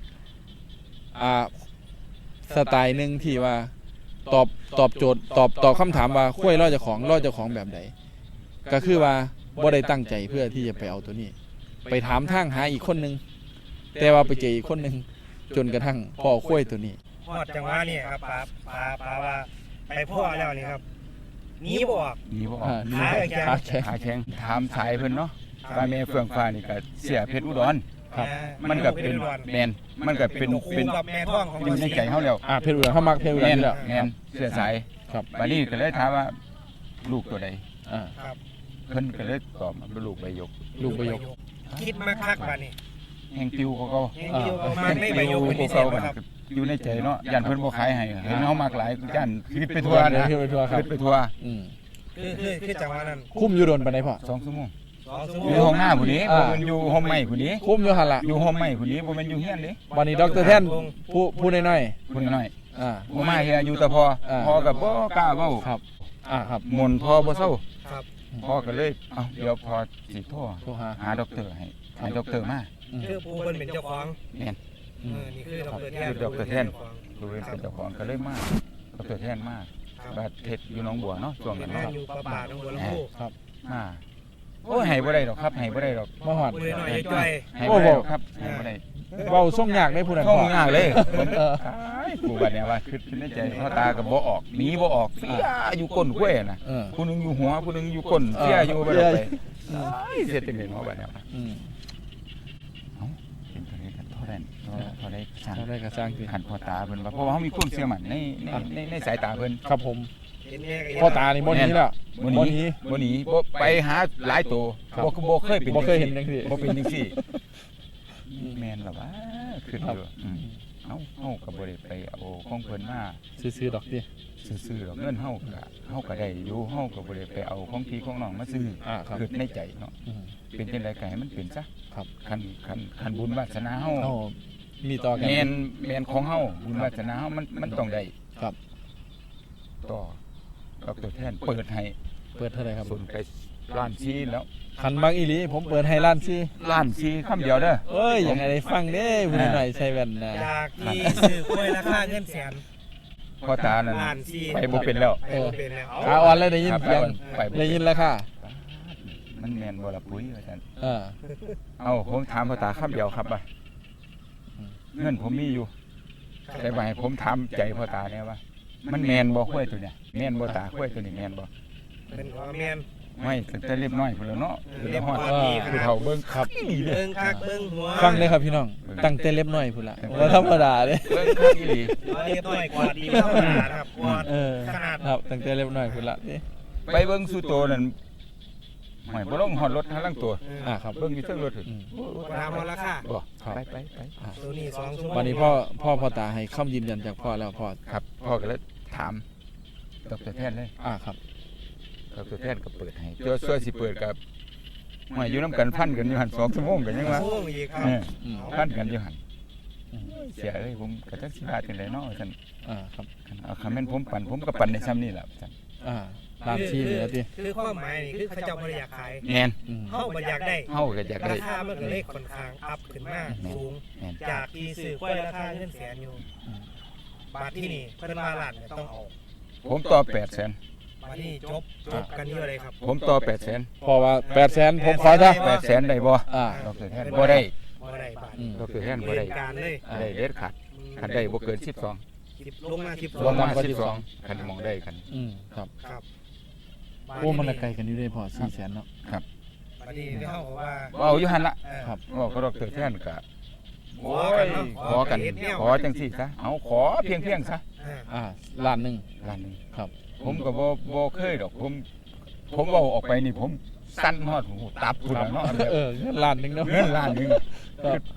[SPEAKER 1] สไตล์หนึงที่ว่าตอบโจทย์ตอบคำถามว่าข้วยล่อเจ้าของแบบใดก็คือว่าบ่ได้ตั้งใจเพื่อที่จะไปเอาตัวนี้ ไปถามทางหาอีกคนนึงแต่ว่าไปเจออีกคนนึงจนกระทั่งพ่อข้วยตัวนี้
[SPEAKER 3] ฮอดจังหวะนี่ครับปาว่าไปพ่อแล้วนี่ครับหนีบ่ออก
[SPEAKER 2] นี่บ่ออ
[SPEAKER 1] นี่
[SPEAKER 3] ขาแข็ง
[SPEAKER 1] ขาแข็ง
[SPEAKER 2] ขาแข็งถามสายเพิ่นเนาะป้าแม่เฟื่องฟ้านี่ก็เสียเพชรอุดร
[SPEAKER 1] ครับ
[SPEAKER 2] มันก็เป็นแม่นมันก็เป็น
[SPEAKER 3] คู่กับแม่ท้องของ
[SPEAKER 2] อยู่ในใจเฮาแล้ว
[SPEAKER 1] เพชรอุดรเฮามักเพชรอุดร
[SPEAKER 2] แม่น
[SPEAKER 1] นี่แหละ
[SPEAKER 2] แม่นเสื้อสาย
[SPEAKER 1] ครับ
[SPEAKER 2] บัดนี้ก็เลยถามว่าลูกตัวใด
[SPEAKER 1] อ่า
[SPEAKER 3] ครับ
[SPEAKER 2] เพิ่นก็เลยตอบมาเป็นลูกใบหยก
[SPEAKER 1] ลูกประโยค
[SPEAKER 3] คิดมาคักบัดนี้
[SPEAKER 2] แห่งติวเขาก็
[SPEAKER 3] ยังอยู่ประมาณไม่ใบโยกเป็นพิเศษบ่ครับ
[SPEAKER 2] อยู่ในใจเนาะยันเพิ่นบ่ขายให้เห็นเฮามากหลายยันคิดไปทั่วนะ
[SPEAKER 1] คิดไปทั่วครับ
[SPEAKER 2] คิดไปทั่ว
[SPEAKER 1] อืม
[SPEAKER 3] คือจังหวะนั้น
[SPEAKER 1] คุ้มอยู่โดนปานใดพ่อ
[SPEAKER 2] 2 ชั่วโมง
[SPEAKER 3] 2 ชั่วโม
[SPEAKER 2] อยู่
[SPEAKER 3] ง
[SPEAKER 2] ห้องหน้าผู้นี้
[SPEAKER 1] อ่า
[SPEAKER 2] บ่แม่นอยู่ห้องไม้ผู้นี้
[SPEAKER 1] คุ้มอยู่หั่นล่ะ
[SPEAKER 2] อยู่ห้องไม้ผู้นี้บ่แม่นอยู่เฮียนเด้
[SPEAKER 1] วันนี้ดรแท่นผู้น้อย
[SPEAKER 2] ผู้น้อย
[SPEAKER 1] ๆอ่า
[SPEAKER 2] บ่มาเฮียอยู่แต่พอ
[SPEAKER 1] อ่า
[SPEAKER 2] พอก็บ่กล้าเว้า
[SPEAKER 1] ครับครับ
[SPEAKER 2] มนต์พอบ่เซา
[SPEAKER 3] ครับ
[SPEAKER 2] พอก็เลยเอ้าเดี๋ยวพอสิโทร
[SPEAKER 1] โทรหา
[SPEAKER 2] หาด็อกเตอร์ให้ด็อกเตอร์มา
[SPEAKER 1] อืม
[SPEAKER 3] คือผู้เพิ่นเป็นเจ้าของ
[SPEAKER 2] แม่น
[SPEAKER 3] นี่คือดรแทน
[SPEAKER 2] คือดรแทน ดูเป็นเจ้าของก็เลยมาด็อกเตอร์แทนมาบาดเฮ็ดอยู่หนองบัวเนาะช่วง
[SPEAKER 3] เป็
[SPEAKER 2] นั้น น
[SPEAKER 3] งาน
[SPEAKER 2] เนาะ
[SPEAKER 3] อยู่ประบาทของบัวลำพู
[SPEAKER 1] ครับ
[SPEAKER 2] มาโอ้ยให้บ่ได้ดอกครับให้บ่ได้ดอก
[SPEAKER 1] มาฮอด
[SPEAKER 3] มือหน่อยจ้อย
[SPEAKER 2] ให้บ่ได้ดอกครับให้บ่ได้
[SPEAKER 1] เว้าส่งยากได้ผู้นั้น
[SPEAKER 2] เข้า
[SPEAKER 1] พ่อ
[SPEAKER 2] ง่ายเลยผม
[SPEAKER 1] เออ
[SPEAKER 2] กูบัดเนี่ยว่าคิดในใจพ่อตาก็บ่ออกหนีบ่ออกเสียอยู่ก้นกล้วยน่ะ
[SPEAKER 1] เออ
[SPEAKER 2] ผู้หนึงอยู่หัวผู้หนึงอยู่ก้นเสียอยู่บ่ได้ไปเสียจังได๋เนาะบัดเนี่ย
[SPEAKER 1] อืม
[SPEAKER 2] เอ้าเป็นตัวนี้กันเท่านั้นเท่าได้ช่าง
[SPEAKER 1] เท่าได้ก็สร้างขึ้น
[SPEAKER 2] ขันพ่อตาเพิ่นว่าเพราะว่าเฮามีความเชื่อมั่นในสายตาเพิ่น
[SPEAKER 1] ครับผม
[SPEAKER 3] เห็นแม่ก็
[SPEAKER 1] พ่อตานี่บ่หนี้แล้ว
[SPEAKER 2] บ่หนีบ่หนีบ่ไปหาหลายตัว
[SPEAKER 1] ครับ
[SPEAKER 2] บ่เคยเป็น
[SPEAKER 1] บ่เคยเห็นจังซี่
[SPEAKER 2] บ่เป็นจังซี่แม่นล่ะวะคือเด้อเฮาก็บ่ได้ไปเอาของเพิ่นมา
[SPEAKER 1] ซื้อๆดอกติ
[SPEAKER 2] ซื้อๆดอกเงินเฮาก็ได้อยู่เฮาก็บ่ได้ไปเอาของพี่ของน้องมาซื้อ
[SPEAKER 1] ครับ
[SPEAKER 2] คือในใจเนาะ
[SPEAKER 1] อืม
[SPEAKER 2] เป็นจังไดก็ให้มันเป็นซะ
[SPEAKER 1] ครับ
[SPEAKER 2] คันบุญวาสนาเฮา
[SPEAKER 1] เฮามีต่อกัน
[SPEAKER 2] แม่นของเฮาบุญวาสนาเฮามันต้องได้
[SPEAKER 1] ครับ
[SPEAKER 2] ต่อดอกตัวแทนเปิดให้
[SPEAKER 1] เปิดเท่าไหร่ครับ
[SPEAKER 2] ส่วนไปล้านชีแล้ว
[SPEAKER 1] คันมักอีหลีผมเปิดให้ล้านซี่
[SPEAKER 2] ล้านชีคำเดียวเด้อ
[SPEAKER 1] เอ้ยยังไงได้ฟังเด้ผู้น้อยใส่แว่นนะ
[SPEAKER 3] จากที่ซื้อกล้วยราคาเงินแสน
[SPEAKER 2] พ่อตานั่น
[SPEAKER 3] ล้านสี่
[SPEAKER 2] ไปบ่เป็นแล้ว
[SPEAKER 3] ไปบ่เป็นแล้ว
[SPEAKER 1] ขาอ่อนเลยได้ยิน
[SPEAKER 2] ครับ
[SPEAKER 1] เสียง
[SPEAKER 2] ไปบ่
[SPEAKER 1] ได้ยินแล้วค่ะ
[SPEAKER 2] มันแม่นบ่ล่ะปุ๋ยว่าซั่น
[SPEAKER 1] เออ
[SPEAKER 2] เอ้าผมถามพ่อตาคำเดียวครับว่าเงินผมมีอยู่แต่ว่าให้ผมถามใจพ่อตาแน่ว่า มันแม่นบ่ห้วยตัวเนี่ยแม่นบ่ตาห้วยตัวนี้แม่นบ่
[SPEAKER 3] เป็นของแม่น
[SPEAKER 2] ไม่ตั้งแต่เรียบน้อยพุ่นแล้วเนาะ
[SPEAKER 3] เรียบ
[SPEAKER 2] ฮอด
[SPEAKER 3] ร้อย
[SPEAKER 2] ผู้เฒ่าเบิ่ง
[SPEAKER 1] ครับ
[SPEAKER 2] นี่เด้อ
[SPEAKER 3] เบิ่งคักเบิ่งหัว
[SPEAKER 1] ฟังเลยครับพี่น้อง ตั้งแต่เล็บน้อยพุ่นละว่าธรรมดาเด้
[SPEAKER 2] เบิ่งคักอีหลี
[SPEAKER 3] เรียบร้อยกว่าดีธรรมดานะครับกว่า
[SPEAKER 1] เออ
[SPEAKER 3] ขนาด
[SPEAKER 1] ครับตั้งแต่เล็บน้อยพุ่นละนี่
[SPEAKER 2] ไปเบิ่งสู่โตนั่นหอยบ่ลงฮอดรถทางหลังตัว
[SPEAKER 1] ครับ
[SPEAKER 2] เบิ่งอยู่เทิงรถถึง
[SPEAKER 1] อืม
[SPEAKER 3] ถามว่าราคา
[SPEAKER 2] บ่
[SPEAKER 1] ครับ
[SPEAKER 2] ไป
[SPEAKER 3] ตัวนี้2ชั่วโมง
[SPEAKER 1] วันนี้พ่อตาให้คำยืนยันจากพ่อแล้วพ่อ
[SPEAKER 2] ครับพ่อก็เลยถามดรแทนเลย
[SPEAKER 1] ครับ
[SPEAKER 2] ดรแทนก็เปิดให้เจ้าช่วยสิเปิดกับหอยอยู่นํกันพันกันอยู่หั่น2ชั่วโมงกันยังว่า
[SPEAKER 3] ชั่วโมงอีกครับ
[SPEAKER 1] อืม
[SPEAKER 2] พันกันอยู่หั่น
[SPEAKER 1] อืม
[SPEAKER 2] เสียเอ้ยผมก็จักสิว่าจังได๋เนาะซั่น
[SPEAKER 1] ครับ
[SPEAKER 2] เอาคันแม่นผมปั่นผมก็ปั่นได้ซ้ำนี่ล่ะซั่น
[SPEAKER 1] ล้านซี่เหลือติ
[SPEAKER 3] คือความหมายนี่คือเขาเจ้าบ่ได้อยากขาย
[SPEAKER 2] แม่น
[SPEAKER 1] อืม
[SPEAKER 3] เฮาบ่อยากได้
[SPEAKER 2] เฮาก็อยากได้
[SPEAKER 3] ราคามันก็เลยค่อนข้างอัพขึ้นมาสูง
[SPEAKER 2] แม่น
[SPEAKER 3] จากที่ซื้อกล้วยราคาเงินแสนอยู่บาทที่นี่เพิ่นว่าล้านเนี่ยต้องเอา
[SPEAKER 2] ผมต่อ800,000
[SPEAKER 3] บาทนี้จบกันอยู่เลยครับ
[SPEAKER 2] ผมต่อ800,000
[SPEAKER 1] พ่อว่า800,000ผมขอจ้ะ
[SPEAKER 2] 800,000ได้บ่
[SPEAKER 1] อ่า
[SPEAKER 2] ดรแทนบ่ได้
[SPEAKER 3] บ่ได้บาท
[SPEAKER 1] อืม
[SPEAKER 2] ดรแทนบ่ได้
[SPEAKER 3] เล่นการเลย
[SPEAKER 2] ได้เด็ดขาดคันได้บ่เกิน12
[SPEAKER 3] ลงมา
[SPEAKER 2] รวมมา
[SPEAKER 1] 12
[SPEAKER 2] 12คันมองได้กัน
[SPEAKER 1] ครับ
[SPEAKER 3] ครับ
[SPEAKER 1] โอ้มันละไกลกันอยู่ได้พอ400,000เนาะ
[SPEAKER 3] บาทนี้เฮาบอกว่า
[SPEAKER 2] ว่าเอาอยู่หั่นละ
[SPEAKER 1] ครับ
[SPEAKER 2] ว่าก็ดรแทนก็โอ้ยข
[SPEAKER 3] ข
[SPEAKER 2] อ
[SPEAKER 3] อกั
[SPEAKER 2] กัน
[SPEAKER 3] นเนาะ
[SPEAKER 2] ขอจังซี่ซะเอาขอเพียงซะ
[SPEAKER 1] ล้านหนึง
[SPEAKER 2] ล้านหนึง
[SPEAKER 1] ครับ
[SPEAKER 2] ผมก็บ่เคยดอกผมเว้าออกไปนี่ผมสั่นฮอดหูตับพุ่นแล้วเนาะแบบ
[SPEAKER 1] เงินล้านหนึงเนาะ
[SPEAKER 2] เงินล้านหนึง
[SPEAKER 1] ครับ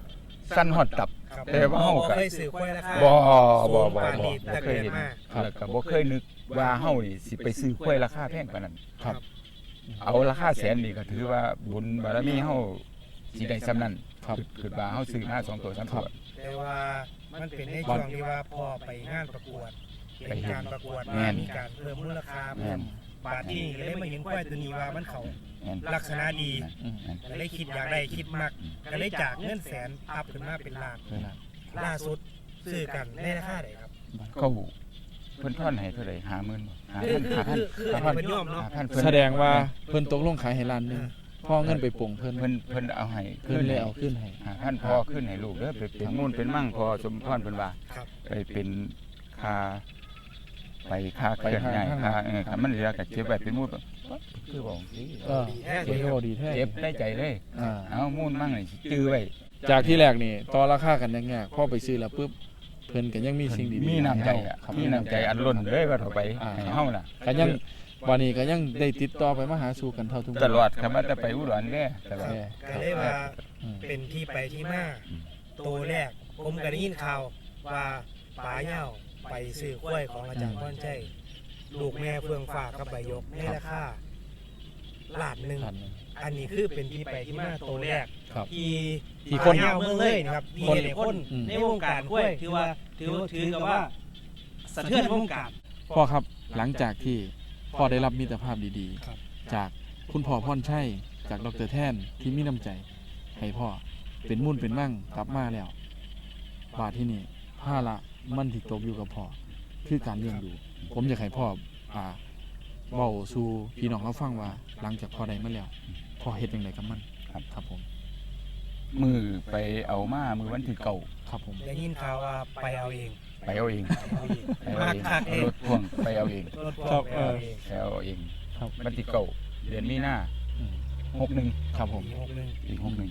[SPEAKER 2] สั้นฮอดตับ
[SPEAKER 3] ครับ
[SPEAKER 2] แต่ว่าเฮาก็
[SPEAKER 3] เคยสื่อควายราคา
[SPEAKER 2] บ่
[SPEAKER 3] สูง
[SPEAKER 2] บ่
[SPEAKER 3] ปานนี้
[SPEAKER 2] บ่
[SPEAKER 3] แต่
[SPEAKER 2] เค
[SPEAKER 3] เกิ
[SPEAKER 2] ย
[SPEAKER 3] ด
[SPEAKER 2] เห็น
[SPEAKER 3] มา
[SPEAKER 2] แล้วก็บ่เคยนึกว่าเฮานี่สิไปซื้อควายราคาแพงปานนั้น
[SPEAKER 1] ครับ
[SPEAKER 2] เอาราคาแสนนี่ก็ถือว่าบุญบารมีเฮาสิได้ซำนั้น
[SPEAKER 1] ครับ
[SPEAKER 2] คือว่าเฮาซื้อมา2ตัว3ตัว
[SPEAKER 3] แต่ว่ามันเป็นในช่วงที่ว่าพอไปงานประกวด
[SPEAKER 2] ไป
[SPEAKER 3] เป็น
[SPEAKER 2] เห็น
[SPEAKER 3] การประกวด
[SPEAKER 2] แม่
[SPEAKER 3] มาน มีการเพิ่มมูลค่า
[SPEAKER 2] แม่น
[SPEAKER 3] บาทที่ก็เลยมาเห็นควายตัวนี้ว่ามันเขา
[SPEAKER 2] แม่น
[SPEAKER 3] ลักษณะดี
[SPEAKER 1] อืม
[SPEAKER 2] แม่น
[SPEAKER 3] ก็เลยคิดอยากได้คิดมากก็เลยจากเงินแสนอัพขึ้นมาเป็นล้าน
[SPEAKER 1] เวลา
[SPEAKER 3] ล่าสุดซื้อกันในราคาไหนครับ
[SPEAKER 2] เขาเพิ่นทอนให้เท่าไหร่50,000บ่5,000
[SPEAKER 3] คือเป็นย่อมเนาะ
[SPEAKER 2] 5,000เพิ่น
[SPEAKER 1] แสดงว่าเพิ่นตกลงขายให้ล้านหนึงพ่อเงินไปปลงเพิ่น
[SPEAKER 2] เพิ่นเอาให้
[SPEAKER 1] เพิ่นเลยเอาขึ้นให้
[SPEAKER 2] 5,000พอขึ้นให้ลูกเด้อไปเป็นนู่นเป็นมั่งพอสมพรเพิ่นว่า
[SPEAKER 3] ครับ
[SPEAKER 2] ไปเป็นค่าไปค่าเคลื่อนย้ายค่าค่ามันเหลือก็เก็บไว้เป็นมูลคือบอกสิ
[SPEAKER 1] เออเพิ่นก็บ่ดีแท้
[SPEAKER 2] เก็บได้ใจเลย
[SPEAKER 1] อ่า
[SPEAKER 2] เอามูลมั่งนี่สิจื้อไว้
[SPEAKER 1] จากที่แรกนี่ต่อราคากันยากๆพอไปซื้อแล้วปุ๊บเพิ่นก็ยังมีสิ่งดีๆ
[SPEAKER 2] มีน้ำใจอ่ะ
[SPEAKER 1] ครับ
[SPEAKER 2] มีน้ำใจอันล้นเลยว่าเท่าไปให้เฮาน่ะ
[SPEAKER 1] ก็ยังวันนี้ก็ยังได้ติดต่อไปมาหาสู่กันเท่าทุกมื้
[SPEAKER 2] ตลอดคำว่าจะไปอุดรแน่ตลอด
[SPEAKER 1] แท้
[SPEAKER 3] ก็เลยว่า
[SPEAKER 1] อืม
[SPEAKER 3] เป็นที่ไปที่มาตัวแรกผมก็ได้ยินข่าวว่าป๋าเหย้าไปซื้อกล้วยของอาจารย์พ่อนใจลูกแม่เฟืองฝากกับใบยกในราคาล้านหนึ่ง
[SPEAKER 1] พันหนึ่ง
[SPEAKER 3] อันนี้คือเป็นที่ไปที่มาตัวแรก
[SPEAKER 1] ครับ
[SPEAKER 3] ที่
[SPEAKER 1] ที่คน
[SPEAKER 3] ป๋าเหย้าเมืองเลยนะครับที่
[SPEAKER 1] คน
[SPEAKER 3] เด็กคน
[SPEAKER 1] อืม
[SPEAKER 3] ในวงการกล้วยถือกับว่าสะเทือนวงการ
[SPEAKER 1] พ่อครับหลังจากที่พ่อได้รับมิตรภาพดี
[SPEAKER 3] ครับ
[SPEAKER 1] ๆ จากคุณพ่อพรชัยจากดรแท่นที่มีน้ำใจ ให้พ่อเป็นมุ่นเป็นมั่งกลับมาแล้วบาทที่นี่ผ้าละมันที่ตกอยู่กับพ่อคือการเลี้ยงดู ผมอยากให้พ่อเบาสู่พี่น้องเขาฟังว่าหลังจากพ่อได้มาแล้วพ่อเฮ็ดยังไงกับมันครับผม
[SPEAKER 2] มือไปเอามามือวันที่เก่า
[SPEAKER 1] ครับผม
[SPEAKER 3] ได้ยินข่าวว่าไปเอาเอง
[SPEAKER 2] ไปเอาเอง ไปเอา
[SPEAKER 3] มาก
[SPEAKER 2] เอง
[SPEAKER 3] คักเอง
[SPEAKER 2] รถพ่วงไปเอาเอง
[SPEAKER 3] รถพ่วงไปเอาเอง
[SPEAKER 2] ไปเอาเอง
[SPEAKER 1] ครับ
[SPEAKER 2] วันที่เก่าเดือนมีนา
[SPEAKER 1] อืม
[SPEAKER 2] 61
[SPEAKER 1] ครับผม
[SPEAKER 3] ปี61
[SPEAKER 2] ปี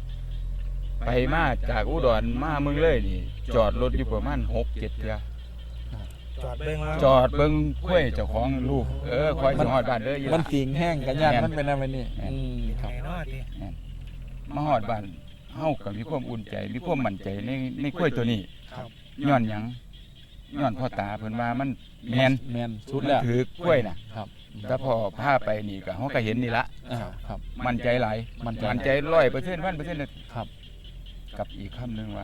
[SPEAKER 2] 61ไปมาจากอุดรมาเมืองเลยนี่ จอดรถอยู่ประมาณ6-7เทื่อ
[SPEAKER 3] จอดเบิ่งว่า
[SPEAKER 2] จอดเบิ่งกล้วยเจ้าของลูกคอยสิฮอดบ้านเด้ออยู่
[SPEAKER 1] มัน
[SPEAKER 2] ล่ะ
[SPEAKER 1] ติงแห้งกันยานมันเป็นอะไรนี่อืมครับ
[SPEAKER 3] ไหนเนาะดิ
[SPEAKER 2] มาฮอดบ้านเฮาก็มีความอุ่นใจ มีความมั่นใจในกล้วยตัวนี้
[SPEAKER 3] ครับ
[SPEAKER 2] ย้อนหยังย้อนพ่อตาเพิ่นว่ามันแม่น
[SPEAKER 1] แมนสุดแล้ว
[SPEAKER 2] ถือกล้วยน่ะ
[SPEAKER 1] ครับ
[SPEAKER 2] แต่พอพาไปนี่ก็เฮาก็เห็นนี่ละ
[SPEAKER 1] ครับ
[SPEAKER 2] มั่นใจหลาย
[SPEAKER 1] มั่นใจ
[SPEAKER 2] มั่นใจ100% 1,000% เลย
[SPEAKER 1] ครับ
[SPEAKER 2] กับอีกคำหนึงว่า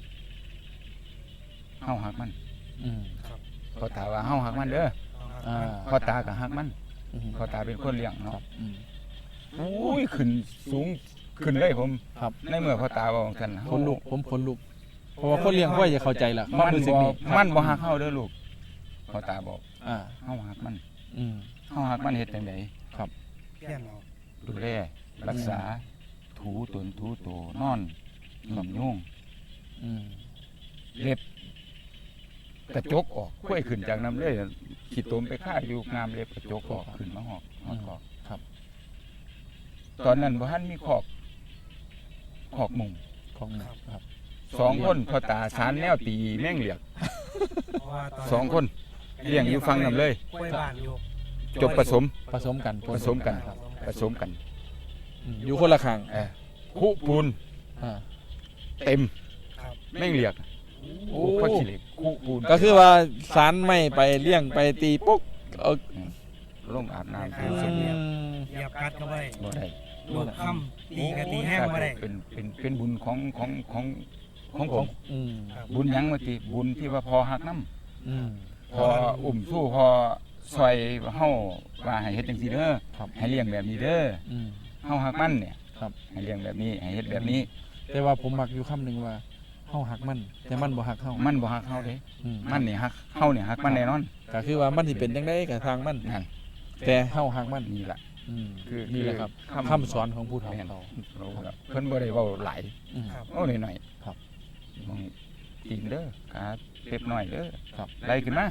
[SPEAKER 2] เฮาฮักมัน
[SPEAKER 1] อืม
[SPEAKER 2] พ่อตาว่าเฮาฮักมันเด้อ
[SPEAKER 1] อ่า
[SPEAKER 2] พ่อตาก็ฮักมัน
[SPEAKER 1] อืม
[SPEAKER 2] พ่อตาเป็นคนเลี้ยง
[SPEAKER 1] ครั
[SPEAKER 2] เนาะ
[SPEAKER 1] บอืม
[SPEAKER 2] โอ้ยขึ้นสูงขึ้นเลยผม
[SPEAKER 1] ครับ
[SPEAKER 2] ในเมื่อพ่อตาว่าของท่าน
[SPEAKER 1] คนลุกผมคนลุกเพราะว่าคนเลี้ยงควายจะเข้าใจล่ะควา
[SPEAKER 2] มั
[SPEAKER 1] ม
[SPEAKER 2] น
[SPEAKER 1] รู้สึก
[SPEAKER 2] บ่
[SPEAKER 1] นี่
[SPEAKER 2] มันบ่ฮักเฮาเด้อลูกพ่อตาบอก
[SPEAKER 1] อ่า
[SPEAKER 2] เฮาฮักมัน
[SPEAKER 1] อืม
[SPEAKER 2] เฮาฮักมันเฮ็ดจังได
[SPEAKER 3] เพี้ยนเอา
[SPEAKER 2] ดูแลรักษา ถูตนถูโตนอนหย่อมยุ่ง
[SPEAKER 1] อืม
[SPEAKER 2] เล็บกระจกออกค่อยขึ้นจากน้ำเลยขีดตมไปฆ่าอยู่งามเล็บกระจกออกขึ้นมาหอกหอกออก
[SPEAKER 1] ครับ
[SPEAKER 2] ตอนนั้นบ่ทันมีขอกมุง
[SPEAKER 1] ของหนึ่งครับ
[SPEAKER 2] สองคนพ่อตาสารแนวตีแม่งเหลียก
[SPEAKER 3] เพราะว่าตน
[SPEAKER 2] สองคนเลี้ยงอยู่ฟังน้ำเลย
[SPEAKER 3] กล้วยบ้านอยู่
[SPEAKER 2] จบผสม
[SPEAKER 1] ผสมกัน
[SPEAKER 2] ผสมกัน
[SPEAKER 1] ครับ
[SPEAKER 2] ผสมกัน
[SPEAKER 1] อืมอยู่คนละข้าง
[SPEAKER 2] คู่ปูน
[SPEAKER 1] อ่า
[SPEAKER 2] เต็ม
[SPEAKER 3] ครับ
[SPEAKER 2] แม่งเหลียก
[SPEAKER 1] โอ้
[SPEAKER 2] พ่อขี้เหล็กคู่ปูน
[SPEAKER 1] ก็คือว่าสารไม่ไปเลี้ยงไปตีปุ๊กเอา
[SPEAKER 2] ลงอาบน้ำ
[SPEAKER 1] อื
[SPEAKER 2] คือสมเด็จ
[SPEAKER 1] ม
[SPEAKER 3] เหยียบกัดก็ไม่ได้
[SPEAKER 2] บ่ได้
[SPEAKER 3] ลูกค่ำตีกันตีแห้งก็ไม่ได้
[SPEAKER 2] เป็นบุญของผม
[SPEAKER 1] อืม
[SPEAKER 3] ครับ
[SPEAKER 2] บุญหยังว่าติบุญที่ว่าพอหักน้
[SPEAKER 1] อืม
[SPEAKER 2] ำพออุ้มสู้พอซอยเฮาว่าให้เฮ็ดจังซี่เด้อ
[SPEAKER 1] ครับ
[SPEAKER 2] ให้เลี้ยงแบบนี้เด้อ
[SPEAKER 1] อืม
[SPEAKER 2] เฮาหักมันเนี่ย
[SPEAKER 1] ครับ
[SPEAKER 2] ให้เลี้ยงแบบนี้ให้เฮ็ดแบบนี้
[SPEAKER 1] แต่ว่าผมมักอยู่คำหนึ่งว่าเฮาหักมันแต่มันบ่หักเฮา
[SPEAKER 2] มันบ่หักเฮาเด้
[SPEAKER 1] อืม
[SPEAKER 2] มันนี่หักเฮาเนี่ยหักมันแน่นอน
[SPEAKER 1] ก็คือว่ามันสิเป็นจังได๋ก็ทางมัน
[SPEAKER 2] นั่น
[SPEAKER 1] แต่เฮาหักมัน
[SPEAKER 2] นี่ล่ะ
[SPEAKER 1] อืม
[SPEAKER 2] คือ
[SPEAKER 1] นี่แหละครับ
[SPEAKER 2] คำ
[SPEAKER 1] คำสอนของผู้เฒ่า
[SPEAKER 2] แม่น
[SPEAKER 1] เขา
[SPEAKER 2] เพิ่นบ่ได้เว้าหลาย
[SPEAKER 1] อืม
[SPEAKER 3] ครับ
[SPEAKER 2] เว้าหน่อย
[SPEAKER 1] ครับ
[SPEAKER 2] มองตีนเด้อขาเล็บน้อยเด้อ
[SPEAKER 1] ครับ
[SPEAKER 2] ไล่ขึ้นมา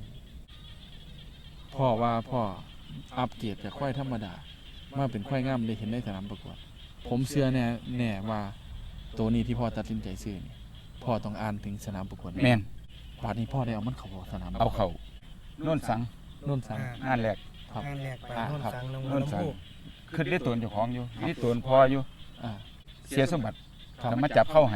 [SPEAKER 1] พ่อว่าพ่ออัปเกรดจากควายธรรมดามาเป็นควายงามได้เห็นในสนามประกวด ผมเชื่อแน่ว่าตัวนี้ที่พ่อตัดสินใจซื้อนี่พ่อต้องอ่านถึงสนามประกวด
[SPEAKER 2] แม่น
[SPEAKER 1] บาดนี้พ่อได้เอามันเข้าสนาม
[SPEAKER 2] เอาเข้าโน่นสัง
[SPEAKER 1] โน่นสัง
[SPEAKER 2] งานแรก
[SPEAKER 1] ครับ
[SPEAKER 3] งานแรกไป
[SPEAKER 1] อ่า
[SPEAKER 3] โน่น
[SPEAKER 1] ครับ
[SPEAKER 3] สังน้อง
[SPEAKER 2] โน่น
[SPEAKER 3] น้ำ
[SPEAKER 2] สัง
[SPEAKER 3] พุ
[SPEAKER 2] ขึ้นได้ตัวเจ้าของอยู่ได้ตัวพออยู่
[SPEAKER 1] อ่า
[SPEAKER 2] เสียสมบัติ
[SPEAKER 1] ครับ
[SPEAKER 2] แล้วมาจับเข้าให้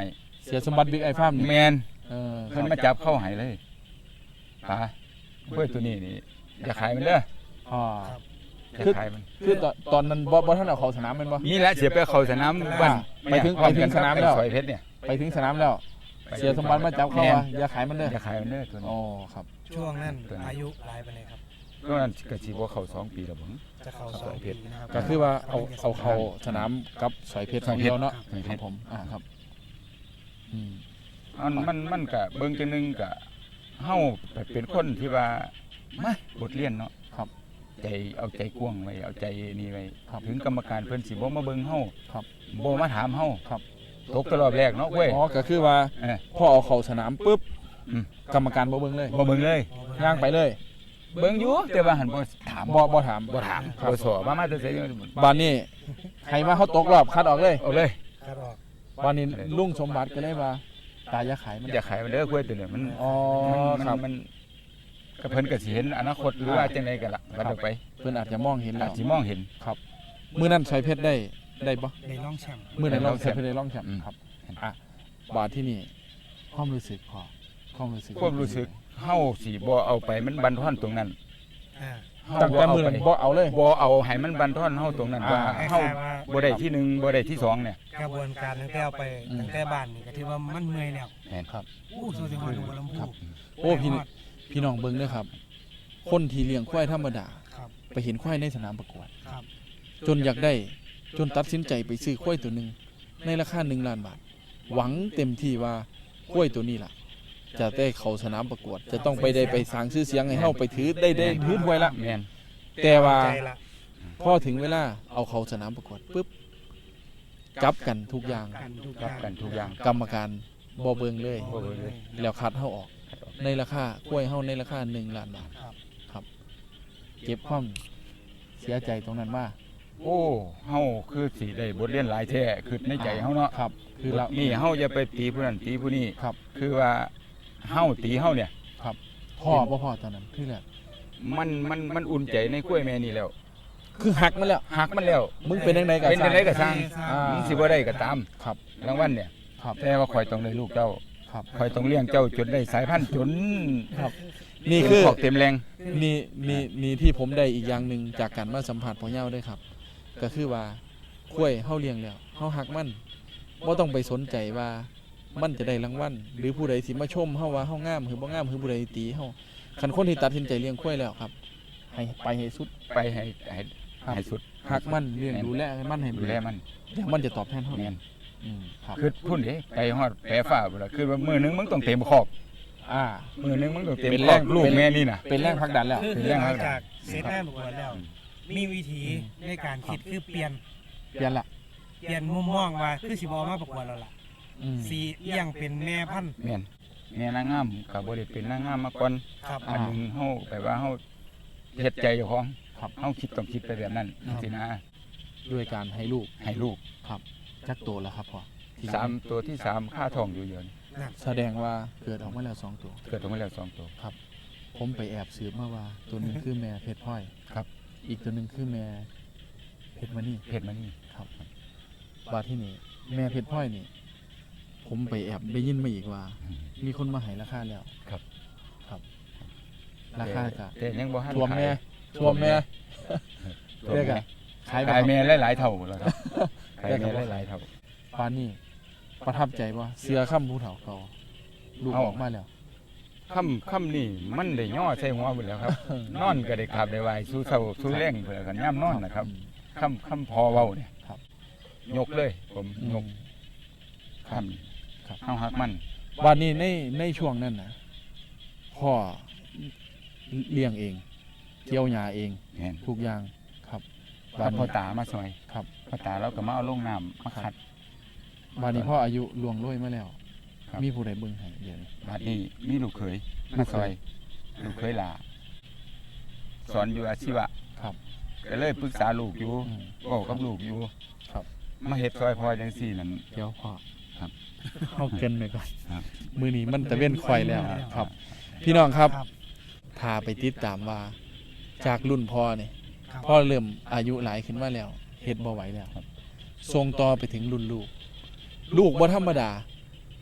[SPEAKER 1] เสียสมบัติบิ๊กไอฟาร์มนี่
[SPEAKER 2] แมน
[SPEAKER 1] เออค
[SPEAKER 2] เพิ่
[SPEAKER 1] รั
[SPEAKER 2] น
[SPEAKER 1] บ
[SPEAKER 2] มาจับเข้าให้เลยป๋ากล้วยตัวนี้นี่อย่าขายมันเด้อ
[SPEAKER 1] อ๋อ
[SPEAKER 2] อย่าขายมัน
[SPEAKER 1] คือตอนนั้นบ่ท่านเอาเข้าสนามแม่นบ่
[SPEAKER 2] นี่แหละเสียไปเข้าสนามบ้าน
[SPEAKER 1] ไปถึงสนามแล้ว
[SPEAKER 2] ซอยเพชรเนี่ย
[SPEAKER 1] ไปถึงสนามแล้ว เสียสมบัติมาจับเข้าว่าอย่าขายมันเด้อ
[SPEAKER 2] อย่าขายมันเด้อตัวนี้
[SPEAKER 1] อ๋อครับ
[SPEAKER 3] ช่วงนั้นอายุหลายปานใดครับ
[SPEAKER 2] ก็นั้นก็สิบ่เข้า2 ปีแล้วบ่
[SPEAKER 3] จะเข้า
[SPEAKER 2] ครับ
[SPEAKER 3] 2 ปีนะครับ
[SPEAKER 1] ก็คือว่าเอาเข้าสนามกับสอยเพชรของเดียวเนาะ
[SPEAKER 2] สอยเพชร
[SPEAKER 1] ครับผมครับอืม
[SPEAKER 2] มันก็เบิ่งจังนึงก็เฮาเป็นคนที่ว่ามาบทเรียนเนาะ
[SPEAKER 1] ครับ
[SPEAKER 2] ใจเอาใจกว้างไว้เอาใจนี่ไว้
[SPEAKER 1] ครับ
[SPEAKER 2] ถึงกรรมการเพิ่นสิบ่มาเบิ่งเฮา
[SPEAKER 1] ครับ
[SPEAKER 2] บ่มาถามเฮา
[SPEAKER 1] ครับ
[SPEAKER 2] ตกตลอดแรกเนาะเว้ย
[SPEAKER 1] อ๋อก็คือว่า
[SPEAKER 2] เออ
[SPEAKER 1] พอเอาเข้าสนามปุ๊บ
[SPEAKER 2] อืม
[SPEAKER 1] กรรมการบ่เบิ่งเลย
[SPEAKER 2] บ่เบิ่งเลย
[SPEAKER 1] ย่างไปเลย
[SPEAKER 2] เบิ่งอยู่แต่ว่าหันบ่ถาม
[SPEAKER 1] บ่ถาม
[SPEAKER 2] บ่ถาม
[SPEAKER 1] ครับ
[SPEAKER 2] บ่สอบมาแต่ไส
[SPEAKER 1] บ้านนี้ให้มาเขาตกรอบคัดออกเลย
[SPEAKER 2] เอาเลย
[SPEAKER 3] ครับออก
[SPEAKER 1] บ้านนี้ลุงสมบัติก็เลยว่าตายอย่าขายมัน
[SPEAKER 2] อย่าขายมันเด้อกล้วยตัวนี้มัน
[SPEAKER 1] อ๋อ
[SPEAKER 2] มัน
[SPEAKER 1] ครับ
[SPEAKER 2] มันก็เพิ่นก็สิเห็นอนาคตหรือว่าจังไดกันล่ะบัดออกไป
[SPEAKER 1] เพิ่นอาจจะมองเห็นแล้
[SPEAKER 2] อาว จสิมองเห็น
[SPEAKER 1] ครับมื้อนั้นสอยเพชรได้บ่
[SPEAKER 3] ในร่องแชมป์
[SPEAKER 1] มื้อนั้น
[SPEAKER 2] ได้
[SPEAKER 1] เรา
[SPEAKER 2] รองแช
[SPEAKER 1] สอย
[SPEAKER 2] มป์
[SPEAKER 1] เพชรได้รองแชมป์
[SPEAKER 2] อืม
[SPEAKER 1] ครับบาทที่นี่ความรู้สึกพอความรู้สึก
[SPEAKER 2] ความรู้สึกเฮาสิบ่เอาไปมันบันทอนตรงนั้น
[SPEAKER 3] อ่า
[SPEAKER 2] เฮา
[SPEAKER 1] ตั้งแต่มื้อนั้นบ่เอาเลย
[SPEAKER 2] บ่เอาให้มันบันทอนเฮาตรงนั้นว่า
[SPEAKER 3] คล้ายๆ
[SPEAKER 2] เฮา
[SPEAKER 3] ว่า
[SPEAKER 2] บ่ได้ที่หนึ่งบ่ได้ที่สองเนี่ย
[SPEAKER 3] กระบวนการตั้งแต่เอาไป
[SPEAKER 1] อืม
[SPEAKER 3] ตั้งแต่บ้านนี่ก็ถือว่ามันเมื่อยแล้ว
[SPEAKER 2] แม่นครับ
[SPEAKER 3] อู้สู้สิฮอดหัวลำพู
[SPEAKER 1] ครับ โอ้พี่น้องเบิ่งเด้อครับ คนที่เลี้ยงควายธรรมดา
[SPEAKER 3] ครับ
[SPEAKER 1] ไปเห็นควายในสนามประกวด
[SPEAKER 3] ครับ
[SPEAKER 1] จนอยากได้จนตัดสินใจไปซื้อควายตัวหนึ่งในราคา1 ล้านบาท หวังเต็มที่ว่าควายตัวนี้ล่ะ จะได้เข้าสนามประกวด จะต้องไปสร้างชื่อเสียงให้เฮาไปถือได้ถือถ้วยละ
[SPEAKER 2] แม่น
[SPEAKER 1] แต่ว่า
[SPEAKER 3] ใจละ
[SPEAKER 1] พอถึงเวลาเอาเข้าสนามประกวดปุ๊บจับกันทุกอย่าง
[SPEAKER 3] กันทุกอ
[SPEAKER 2] รั
[SPEAKER 3] ย่า
[SPEAKER 2] บ
[SPEAKER 3] ง
[SPEAKER 2] กันทุกอย่าง
[SPEAKER 1] กรรมการบ่เบิ่งเลย
[SPEAKER 2] บ่เบิ่งเลย
[SPEAKER 1] แล้วคัดเฮาออก ในราคาควายเฮาในราคา1 ล้านบาท
[SPEAKER 3] ครับ
[SPEAKER 1] ครับ เก็บความเสียใจตรงนั้นมา
[SPEAKER 2] โอ้เฮาคือสิได้บทเรียนหลายแท้คือในใจเฮาเนาะ
[SPEAKER 1] ครับ คือเรา
[SPEAKER 2] นี่เฮาอย่าไปตีผู้นั้นตีผู้นี้
[SPEAKER 1] ครับ
[SPEAKER 2] คือว่าเฮาตีเฮาเนี่ย
[SPEAKER 1] ครับพ่อบ่พ่อตอนนั้นคือแหละ
[SPEAKER 2] มันอุ่นใจในกล้วยแม่นี่แล้ว
[SPEAKER 1] คือหักมันแล้ว
[SPEAKER 2] หักมันแล้ว
[SPEAKER 1] มึงเป็นจังไดก็
[SPEAKER 2] เป็นจังไดก็สร้าง
[SPEAKER 1] อ่า
[SPEAKER 2] มึงสิบ่ได้ก็ตาม
[SPEAKER 1] ครับ
[SPEAKER 2] รางวัลเนี่ย
[SPEAKER 1] ครับ
[SPEAKER 2] แต่ว่าข่อยต้องได้ลูกเจ้า
[SPEAKER 1] ครับ
[SPEAKER 2] ข่อยต้องเลี้ยงเจ้าจนได้สายพันธุ์จน
[SPEAKER 1] ครับ นี่คือ
[SPEAKER 2] ขอกเต็มแรง
[SPEAKER 1] นี่ที่ผมได้อีกอย่างหนึ่งจากการมาสัมผัสพ่อเย้าด้วยครับ ก็คือว่าข้วยเฮาเลี้ยงแล้วเฮาหักมันบ่ต้องไปสนใจว่ามันจะได้รางวัลหรือผู้ใดสิมาชมเฮาว่าเฮางามหรือบ่งามหรือผู้ใดตีเฮาคันคนที่ตัดสินใจเลี้ยงข้วยแล้วครับ ให้ไปให้สุด
[SPEAKER 2] ไปให้
[SPEAKER 1] ครับ
[SPEAKER 2] ให้สุด
[SPEAKER 1] หักมันเลี้ยงดูแลมันให้
[SPEAKER 2] ดูแลมัน
[SPEAKER 1] เดี๋ยวมันจะตอบแทนเฮา
[SPEAKER 2] แม่น
[SPEAKER 1] ครับ
[SPEAKER 2] คือพุ่นเด้ไปฮอดแปรฟ้าพุ่นล่ะคือว่ามื้อหนึงมึงต้องเต็มขอบ
[SPEAKER 1] อ่า
[SPEAKER 2] มื้อหนึงมึงต้องเต็ม
[SPEAKER 1] เป็น
[SPEAKER 2] ข
[SPEAKER 1] แร
[SPEAKER 2] อง บลูกแม่นี่น่ะ
[SPEAKER 1] เป็นแรงผลักดันแล้ว
[SPEAKER 3] คือ
[SPEAKER 2] เป็น
[SPEAKER 3] คือ
[SPEAKER 2] เรื่อง
[SPEAKER 3] ห
[SPEAKER 2] อะ
[SPEAKER 3] ลั
[SPEAKER 2] ไร
[SPEAKER 3] งจากเซตแม่ประกวดแล้ว มีวิธีในการคิดคือเปลี่ยน
[SPEAKER 1] เปลี่ยนละ
[SPEAKER 3] มุมมองว่าคือสิบอมาประกวดแล้วล่ะ
[SPEAKER 1] อืม
[SPEAKER 3] สีเลี้ยงเป็นแม่พันธุ์
[SPEAKER 2] แม่นแม่นางงามก็บ่ได้เป็นนางงามมาก่อน
[SPEAKER 3] ครับ
[SPEAKER 1] อ่า
[SPEAKER 2] อันหนึงเฮาแบบว่าเฮาเฮ็ดใจเจ้าของ
[SPEAKER 1] ครับ
[SPEAKER 2] เฮาคิดต้องคิดไปแบบนั้น
[SPEAKER 1] ครับ
[SPEAKER 2] สินะ
[SPEAKER 1] ด้วยการให้ลูก
[SPEAKER 2] ให้ลูก
[SPEAKER 1] ครับจักโตแล้วครับพ่อที่
[SPEAKER 2] 3ตัวที่3ค่าทองอยู่เยอะนี่
[SPEAKER 1] แสดงว่าเกิดออกมาแล้ว2ตัว
[SPEAKER 2] เกิดออกมาแล้ว2ตัว
[SPEAKER 1] ผมไปแอบสืบมาว่า ตัวหนึงคือแม่เพชรพลอย
[SPEAKER 2] ครับ
[SPEAKER 1] อีกตัวหนึงคือแม่เพชรมณี
[SPEAKER 2] เพชรมานี่
[SPEAKER 1] ครับบาดที่นี่แม่เพชรพลอยนี่ ผมไปแอบได้ยินมาอีกว่า มีคนมาให้ราคาแล้ว
[SPEAKER 2] ครับ
[SPEAKER 1] ครับ ราคาก็
[SPEAKER 2] แต่ยังบ่ทัน
[SPEAKER 1] ท่วมแม่
[SPEAKER 2] ขาย
[SPEAKER 1] ท่วมแม่
[SPEAKER 2] ท่วม
[SPEAKER 1] เรียก
[SPEAKER 2] แม่
[SPEAKER 1] อะขายแบ
[SPEAKER 2] ขาย
[SPEAKER 1] บ
[SPEAKER 2] แม่หลายๆเท่าแล้วครับขายแม่หลายๆเท่า
[SPEAKER 1] ปานนี่ประทับใจว่าเสือค่ำผู้เฒ่าเขาลูก
[SPEAKER 2] เอา
[SPEAKER 1] ออกมาแล้ว
[SPEAKER 2] ค่ำนี่มันได้ย่อใส่หัวหมดแล้วครับ นอนก็ได้ขับได้ไหวสู้เช้าสู้แรงเพื่อกันย่ำนอนนะครับค่ำพอเว้าเนี่ย
[SPEAKER 1] ครับ
[SPEAKER 2] ยกเลยผม
[SPEAKER 1] อืม
[SPEAKER 2] ยก
[SPEAKER 1] ครับ
[SPEAKER 2] ค่ำเฮาฮักมัน
[SPEAKER 1] วันนี้ในช่วงนั้นนะพ่อเลี้ยงเองเกี่ยวหญ้าเอง
[SPEAKER 2] เห็น
[SPEAKER 1] ทุกอย่างครับ
[SPEAKER 2] ถ้าพ่อตามาซอย
[SPEAKER 1] ครับ
[SPEAKER 2] พ่อตาเราก็มาเอาลงน้ำมาขัด
[SPEAKER 1] วันนี้พ่ออายุล่วงโรยมาแล้ว
[SPEAKER 2] ครับ
[SPEAKER 1] มีผู้ใดเบิ่งให้เดี๋ยวนี้
[SPEAKER 2] บัดนี้มีลูกเขยมาซอย ลูกเขยหลาสอนอยู่อาชีวะ
[SPEAKER 1] ครับ
[SPEAKER 2] ก็เลยปรึกษาลูกอยู่
[SPEAKER 1] อืม
[SPEAKER 2] เว้ากับลูกอยู่
[SPEAKER 1] ครับ
[SPEAKER 2] มาเฮ็ดซอยพ่อจังซี่นั่น
[SPEAKER 1] เดี๋ยวพ่อ
[SPEAKER 2] ครับ
[SPEAKER 1] เข้าเกินไปก่อน
[SPEAKER 2] ครับ
[SPEAKER 1] มือนี้มันตะเว้นควายแล้วครับ พี่น้องครับ
[SPEAKER 3] ครับ
[SPEAKER 1] ถ้าไปติดตามว่า จากรุ่นพ่อเนี่ย
[SPEAKER 3] ครับ
[SPEAKER 1] พ่อเริ่มอายุหลายขึ้นมาแล้วเฮ็ดบ่ไหวแล้วส่งต่อไปถึงรุ่นลูก ลูกบ่ธรรมดา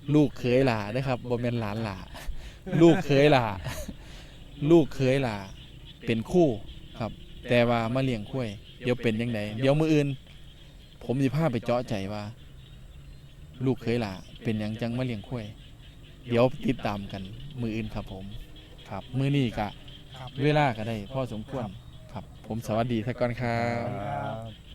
[SPEAKER 1] ลูกเคยหล่านะครับบ่แม่นหลานหล่าลูกเคยหล่าลูกเคยหล่าเป็นคู่ครับ แต่ว่ามาเลี้ยงข้วยเดี๋ยวเป็นยังไงเดี๋ยวมื้ออื่น ผมสิพาไปเจาะใจว่า ลูกเคยหล่าเป็นหยังจังมาเลี้ยงข้วยเดี๋ยวติดตามกันมื้ออื่นครับผมครับมื้อนี้ก็
[SPEAKER 3] ครับ
[SPEAKER 1] เวลาก็ได้พอสมควรครับ ผมสวัสดีท่านก่อนครับ
[SPEAKER 3] ครับ